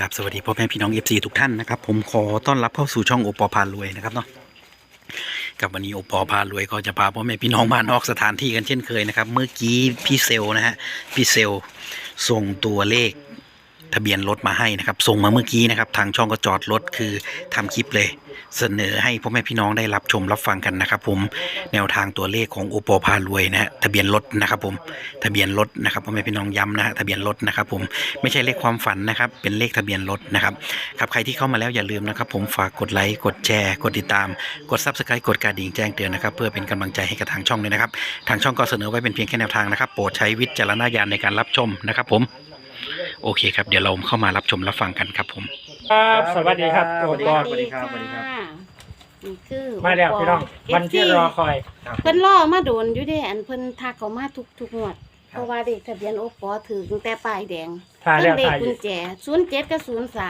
ครับสวัสดีพ่อแม่พี่น้อง FC ทุกท่านนะครับผมขอต้อนรับเข้าสู่ช่องโอปอพารวยนะครับเนาะกับวันนี้โอปอพารวยก็จะพาพ่อแม่พี่น้องมานอกสถานที่กันเช่นเคยนะครับเมื่อกี้พี่เซลนะฮะพี่เซลส่งตัวเลขทะเบียนรถมาให้นะครับส่งมาเมื่อกี้นะครับทางช่องก็จอดรถคือทำคลิปเลยเสนอให้พ่อแม่พี่น้องได้รับชมรับฟังกันนะครับผมแนวทางตัวเลขของโอปอพารวยนะฮะทะเบียนรถนะครับผมทะเบียนรถนะครับพ่อแม่พี่น้องย้ำนะฮะทะเบียนรถนะครับผมไม่ใช่เลขความฝันนะครับเป็นเลขทะเบียนรถนะครับครับใครที่เข้ามาแล้วอย่าลืมนะครับผมฝากกดไลค์กดแชร์กดติดตามกด Subscribe กดกระดิ่งแจ้งเตือนนะครับเพื่อเป็นกำลังใจให้กับทางช่องเลยนะครับทางช่องก็เสนอไว้เป็นเพียงแค่แนวทางนะครับโปรดใช้วิจารณญาณในการรับชมนะครับผมโอเคครับเดี๋ยวเราเข้ามารับชมรับฟังกันครับผมครับสวัสดีครับสวัสดีโอคปรัอบสวัสดีครับสวัสดีครับนี่คือมาแล้วพี่น้องวันที่รอคอยเพิ่นรอมาโดนอยู่เด้อันเพิ่นทักเขามาทุกงวดเพราะว่าเด็กทะเบียนโอปอถือตั้งแต่ป้ายแดงถ่ายเพิ่แล้วนเลขถ่ายอกุยู่ญแจ07กับ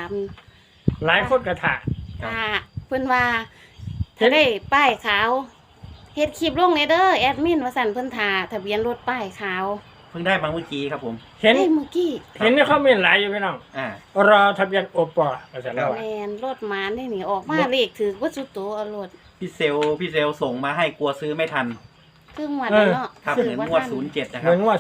03 หลายคนกระถาเพิ่นว่าถ้าได้ป้ายขาวเฮ็ดคลิปลงในเด้อแอดมินว่าสั่นเพิ่นท่าทะเบียนรถป้ายขาวเพิ่งได้มาเมื่อกี้ครับผมเห็นได้เมื่อกี้เห็นในคอมเมนต์หลายอยู่พี่น้องรอทะเบียนโอปอภาษาเราแม่นรถหมาได้นี่ออกมาเลขถือว่าสุดโตเอารถพี่เซลส่งมาให้กลัวซื้อไม่ทันคืองวดนั้นเนาะครับเหมือนงวด07นะคเหรัมืบอนว่า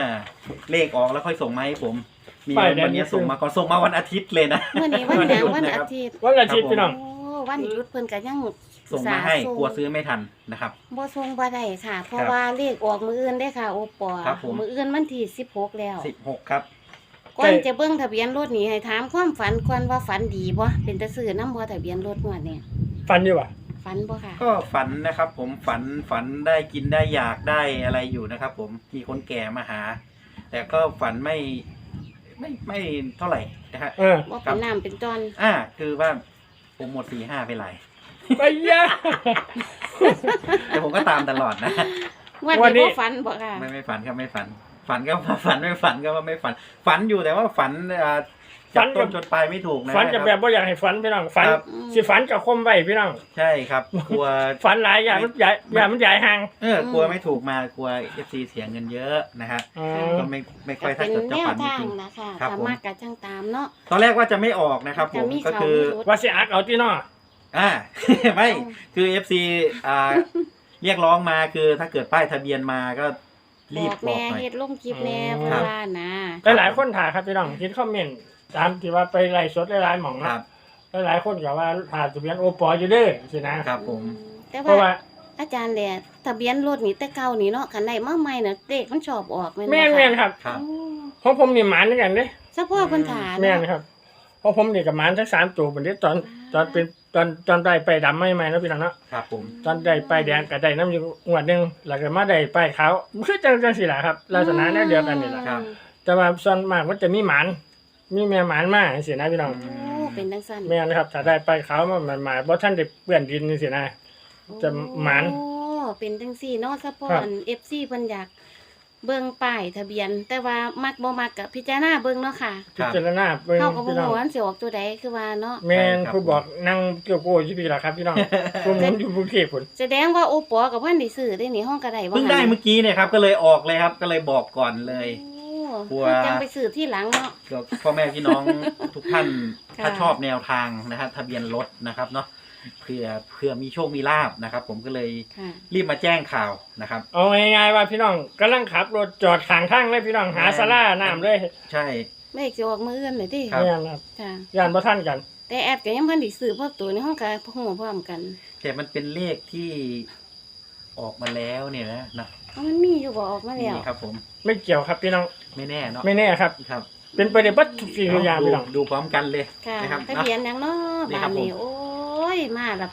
07 เลขออกแล้วค่อยส่งมาให้ผมมีป้ายแดงวันนี้ส่งมาก่อนส่งมาวันอาทิตย์เลยนะมื้อนี้วันหยังวันอาทิตย์วันอาทิตย์พี่น้องโอ้วันหยุดเพิ่นก็ยังส่งมาให้กลัวซื้อไม่ทันนะครับบ่ส่งบ่ได้ค่ะ เพราะครับว่าเลขออกมื้ออื่นได้ค่ะ โอปอครับผมมื้ออื่นวันที่16แล้ว 16ครับก่อนจะเบิ่งทะเบียนรถนี่ให้ถามความฝันก่อนว่าฝันดีบ่เป็นตาซื้อนำบ่ทะเบียนรถงวดนี้ฟันอยู่ว่ะฝันบ่ค่ะก็ฝันนะครับ ผมฝันได้กินได้อยากได้อะไรอยู่นะครับ ผมมีคนแก่มาหา แต่ก็ฝันไม่เท่าไหร่นะฮะบ่เป็นน้ำเป็นจอนคือว่าผมหมด4-5ไปหลายไปยะแต่ผมก็ตามตลอดนะงวดวันนี้นี้บ่ฝันบ่ค่ะไม่ฝันครับไม่ฝัน ฝันก็ว่าฝันไม่ฝันก็ว่าไม่ฝัน ฝันอยู่แต่ว่าฝันจับต้นจนปลายไม่ถูกนะฝันกับแบบบ่อยากให้ฝันพี่น้องฝันครับสิฝันกับคมไว้พี่น้องใช่ครับกลัวฝันหลายอย่างมันใหญ่อย่างมันใหญ่ห่างกลัวไม่ถูกมากลัว FC เสียเงินเยอะนะฮะอ๋อก็ไม่ค่อยถ้าเป็นเกิดจะแนวฝันจทางริงนะคะครับสาผมมารถก็จังตามเนาะๆตอนแรกว่าจะไม่ออกนะครับ ผมจะมีก็เขาคือมีรถว่าสิอักเอาที่นอไม่ คือ FC เรียกร้องมาคือถ้าเกิดป้ายทะเบียนมาก็รีบบอกบอแม่กหน่อยเฮ็ดลงคลิปแน่อืมเพิ่นว่านะหลายๆคนถ่ายครับพี่น้องเห็นคอมเมนต์ตามที่ว่าไปไล่สดหลายๆหม่องคนะรับหลายๆคนก็ว่าถ่ายทะเบียนโอปออยู่เด้อสินะครับผมแต่เพราะว่าว่าอาจารย์แหละทะเบียนรถนี่แต่เก่านี่เนาะคันใดมาใหม่น่ะเลขมันชอบออกแม่นบ่แม่นค่ะแม่นครับครับโอ้ของผมนี่หมานเหมือนกันเด้เฉพาะเพิ่นถาแม่นเนาะครับเพราะผมนี่กับหมานทั้ง3ตัวเป็นที่ตอนเป็นตอนได้ไปดำใหม่ๆแล้วพี่น้องเนาะครับผมตอนได้ไปแดงก็ได้น้ำอยู่งวดหนึงแล้วก็มาได้ไปขาวคือจังสิล่ะครับลักษณะแนวเดียวกันนี่ล่ะครับแต่ว่าส่วนมากมันจะมีหมานมีแม่หมานมาจังซี่นะพี่น้องโอ้เป็นจังซั่นแม่นครับถ้าได้ไปขาวมันหมายบ่ทันได้เปื้อนดินจังซี่นะ จะหมานโอ้เป็นจังซี่เนาะเฉพาะครับอัน FC เพิ่นอยากเบิ่งป้ายทะเบียน แต่ว่ามักบ่มักก็พิจารณาเบิ่งเนาะค่ะพิจารณาเบิ่งเฮาก็บ่พี่น้องฮู้ว่ามันสิออกตัวใดคือว่าเนาะแม่นใช่ครับผู้บอกนั่งเกี่ยวโก้อยู่พี่ล่ะครับพี่น้องผมอยู่กรุงเทพพุ่นแสดงว่าโอปอกับเพิ่นได้ซื้อได้นี่ห้องก็ได้บ่เพิ่งได้เมื่อกี้เนี่ยครับ ก็เลยออกเลยครับ ก็เลยบอกก่อนเลยโอ้กลัวจังไปซื้อที่หลังเนาะเผื่อพ่อแม่พี่น้องทุกท่านค่ะถ้าชอบแนวทางนะฮะทะเบียนรถนะครับเนาะเผื่อมีโชคมีลาบนะครับ ผมก็เลยค่ะรีบมาแจ้งข่าวนะครับเอาง่ายๆว่าพี่น้องกำลังขับรถจอดข้างทางเลยพี่น้องหาศาลาน้ำเลยใช่เลขสิออกมื้ออื่นเลยติครับแม่นครับค่ะย่านบ่ทันกันแต่แอดก็ยังเพิ่นได้ซื้อพวกตัวในห้องก็ฮู้พร้อมกันแต่มันเป็นเลขที่ออกมาแล้วเนี่ยนะเอามันมีอยู่บ่ออกมาแล้วนี่ครับ ผมไม่เกี่ยวครับพี่น้องไม่แน่เนาะไม่แน่ครับครับเป็นไปได้เบัดทุกสิ่งทุกอย่างพี่น้องดูพร้อมกันเลยค่ะนะครับทะเบียนหยังเนาะนี่บ้าครันบนี้ผมโอ้ยมาแล้ว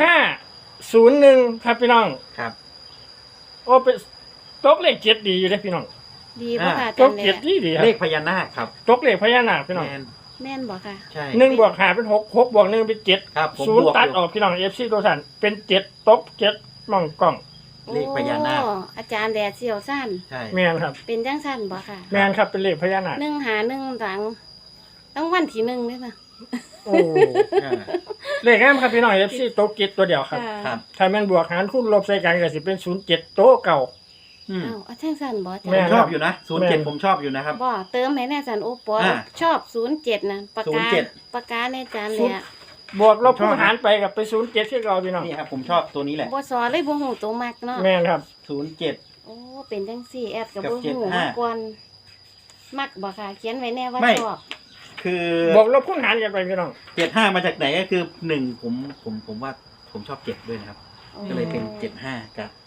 1501ครับพี่น้องครับโอ้เป็นตกเลข7ดีอยู่เด้อพี่น้องดีบ่ค่ะตจักนแหเจ็ดละดีครัเลบขพญานาคครับตกเลขพญานาคพี่น้องแมนแม่นบ่ค่ะใช่ 1บวก5เป็น6 6บวก1เป็น7 ครับผมศูนบย์วกตัดอยู่ออกพี่น้อง FC ตัวท่านเป็น7ตก7มองกล้องเลขพญานาคโอ้อาจารย์แดดเสี่ยวสั้นใช่แม่นครับเป็นจังซั่นบ่ค่ะแม่นครับเป็นเลขพญานาค 1หา1หลังต้องวันที่1เด้อค่ะโอ้อ่าเลขงามครับพี่น้อง FC ตก7ตัวเดียวครับครับถ้าแม่นบวกหารคูณลบใส่กันก็สิเป็น07โต๊ะเก่าอืมอ้าวอาจารย์สั่นบ่แม่จ้ะชอบอยู่นะแม่ 07ผมชอบอยู่นะครับบ่เติมให้แน่จันโอปออ่าชอบ07นะปากกา 07 ปากกาในจานเลยอะบวกลบคูณหารไปกับไป07ที่เราพี่น้องนี่ครับผมชอบตัวนี้แหละบ่สอนเลยบ่ฮู้ตัวมักเนาะแม่นครับ 07 โอ้เป็นจังซี่แอดก็กับบ่ฮู้ 75 มาก่อนมักบ่ค่ะเขียนไว้แน่ว่าไม่ชอบคือบวกลบคูณหารกันไปพี่น้อง 75มาจากไหนก็คือ1ผมว่าผมชอบ7ด้วยนะครับ ก็เลยเป็น75กับ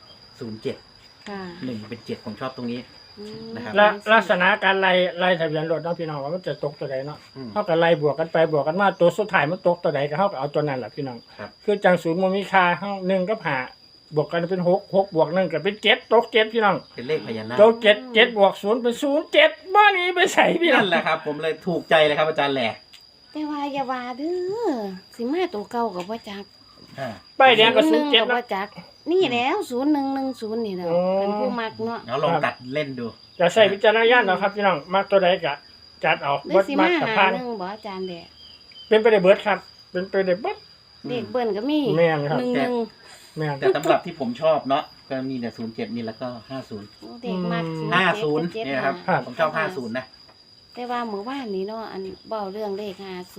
07 ค่ะ 1เป็น7ผมชอบตรงนี้อืมนะครับและลักษณะการไล่ทะเบียนรถเนาะพี่น้องว่ามันจะตกตัวใดเนาะอืมเฮาก็ไล่บวกกันไปบวกกันมาตัวสุดท้ายมันตกตัวใดก็เฮาก็เอาตัวนั้นแหละพี่น้องครับคือจังศูนย์มันมีค่าเฮา1กับ5บวกกันเป็น6บวก1ก็เป็น7ตก7พี่น้องเป็นเลขพญานาคตก7บวก0เป็น07บ่หนี้ไปใส่พี่น้อนั่งนแหละครับ ผมเลยถูกใจเลยครับอาจารย์แหล่แต่ว่าอย่าว่าเด้อสิมาตัวเก่าก็บ่จักอ่าป้ายแดงก็ 01 07 ก็บ่นะจัก นี่แล้ว0110นี่แหล้วอ๋อเป็นผู้มักเนาะแล้วลองตัดเล่นดูจะใส่วิจารณญาณเนาะครับพี่น้องมักตัวใดก็จัดเอาหรือบ่สิมัมากกับหาพานหนึ่งบ่อาจารย์แดะเป็นไปได้เบิดครับ เป็นไปได้เบิดเด็กเบิ่นก็มีแม่นครับหนึ่งแม่นแต่สำหรับที่ผมชอบเนาะก็มีแต่07นี่แล้วก็50 โอ้เด็กมัก 50เนี่ยนะครับ ผมชอบ50นะแต่ว่าเมื่อวานนี้เนาะอันเว้าเรื่องเลข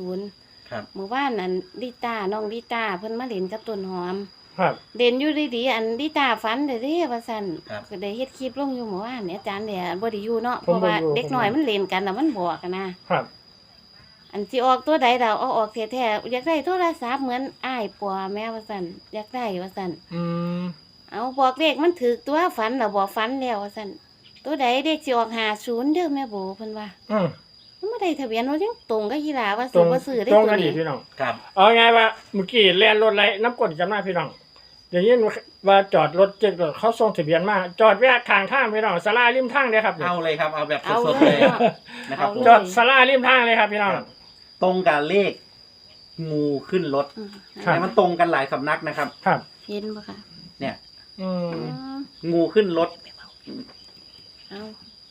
50 ครับเมื่อวานอันลิต้าน้องลิต้าเพิ่นมาเล่นกับต้นหอมครับเด่นอยู่ดีๆอันลิต้าฝันเด้อเด้ว่าซั่นครับก็ได้เฮ็ดคลิปลงอยู่เมื่อวานเนี่ยอาจารย์แดะบ่ได้อยู่เนาะผมเพราะว่าบ่อยู่เด็กน้อยมันเล่นกันน่ะมันบอกกันนะครับอันสิออกตัวใดเราเอาออกแท้ๆอยากได้โทรศัพท์เหมือนอ้ายปัวแม่ว่าซั่นอยากได้ว่าซั่นอืมเอาบอกเลขมันถูกตัวฝันน่ะบ่ฝันแล้วว่าซั่นตัวใดเลขสิออก50เด้อแม่โบเพิ่นว่าอืมมันบ่ได้ทะเบียนรถยังตรงกับยีหลาว่าตรสิงบ่ซื้อได้ตรงตัวกันดีนี้พี่น้องครับเอาไงว่าเมื่อกี้แล่นรถไรน้ำกรดจำหน้าพี่น้องอย่างนี้ว่าจอดรถเจ๊กรถเขาส่งทะเบียนมาจอดแวะข้างทางพี่น้องศาลาริมทางเลยครับเอาเลยครับเอาแบบเอาสดๆเลเลย ยเนาะนะครับผมจอดศาลาริมทางเลยครับพี่น้องครับ ตรงกับเลขงูขึ้นรถอืมครับแต่มันตรงกันหลายสำนักนะครับครับเห็นบ่คะเนี่ยอืมอืมงูขึ้นรถเอา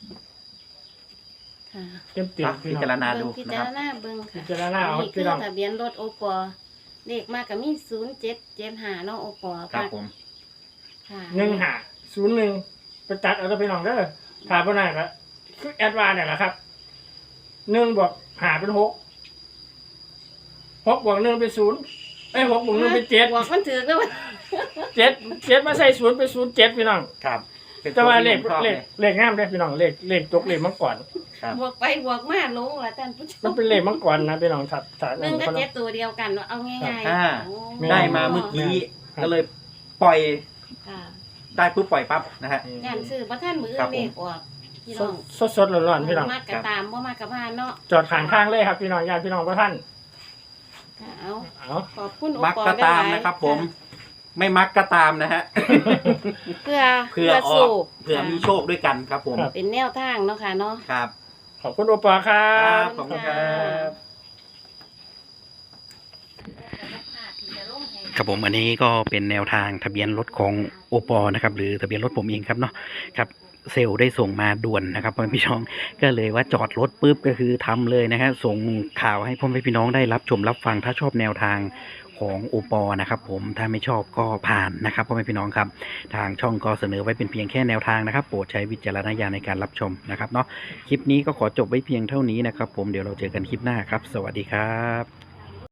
ค่ะเต็มติดพี่พิน้องจารณาเบิ่ดูงพินะจาครรับณาเบิ่งค่ะพิจารณาเอานี่คืพี่อน้องทะเบียนรถโอปอเลขมากก็มี0775เนาะโอปอครับผมค่ะ 101ไปตัดเอาตัวพี่น้องเด้อถามบ่ได้ครับคือแอดวานเนี่ยแหละครับ1บวก5เป็น6 6บวก1เป็น06บวก1เป็น7 บอกมันถูกแล้วว่า 7มาใส่0เป็น07พี่น้องครับเป็นแต่ว่าเลขที่ผมชอบเลขงามเด้อพี่น้องเลขจกเลขมังกรครับบวกไปบวกมาลงล่ะท่านผู้ชมันมเป็นเลขมังกรนะพี่น้องถัด 1กับ7ตัวเดียวกันเอาง่ายอ่าโอ้ได้มาเมื่อกี้ครับก็เลยปล่อยค่ะได้ปุ๊บปล่อยปั๊บนะฮะงานซื้อบ่ทันมื้อครับผมเลขออกพี่น้องสดร้อนๆพี่น้องมากก็ตามบ่มากก็ผ่านเนาะจอดข้างทางเลยครับพี่น้องญาติพี่น้องพระท่านค่ะเอาเอาขอบคุณโอมักปอก็หลยๆตามนะครับ ผม ไม่มักก็ตามนะฮะเพื่อเผื่อออสู้กเผื่อมีโชคด้วยกันครับผมเป็นแนวทางเนาะค่ะเนาะครับขอบคุณโอปอครัครับ บขอบคุณครับครับผมอันนี้ก็เป็นแนวทางทะเบียนรถของโอปอนะครับหรือทะเบียนรถผมเองครับเนาะครับเซลล์ได้ส่งมาด่วนนะครับพ่อแม่พี่น้องก็เลยว่าจอดรถปุ๊บก็คือทำเลยนะครับส่งข่าวให้พ่อแม่พี่น้องได้รับชมรับฟังถ้าชอบแนวทางของโอปอนะครับผมถ้าไม่ชอบก็ผ่านนะครับพ่อแม่พี่น้องครับทางช่องก็เสนอไว้เป็นเพียงแค่แนวทางนะครับโปรดใช้วิจารณญาณในการรับชมนะครับเนาะคลิปนี้ก็ขอจบไว้เพียงเท่านี้นะครับผมเดี๋ยวเราเจอกันคลิปหน้าครับสวัสดีครับ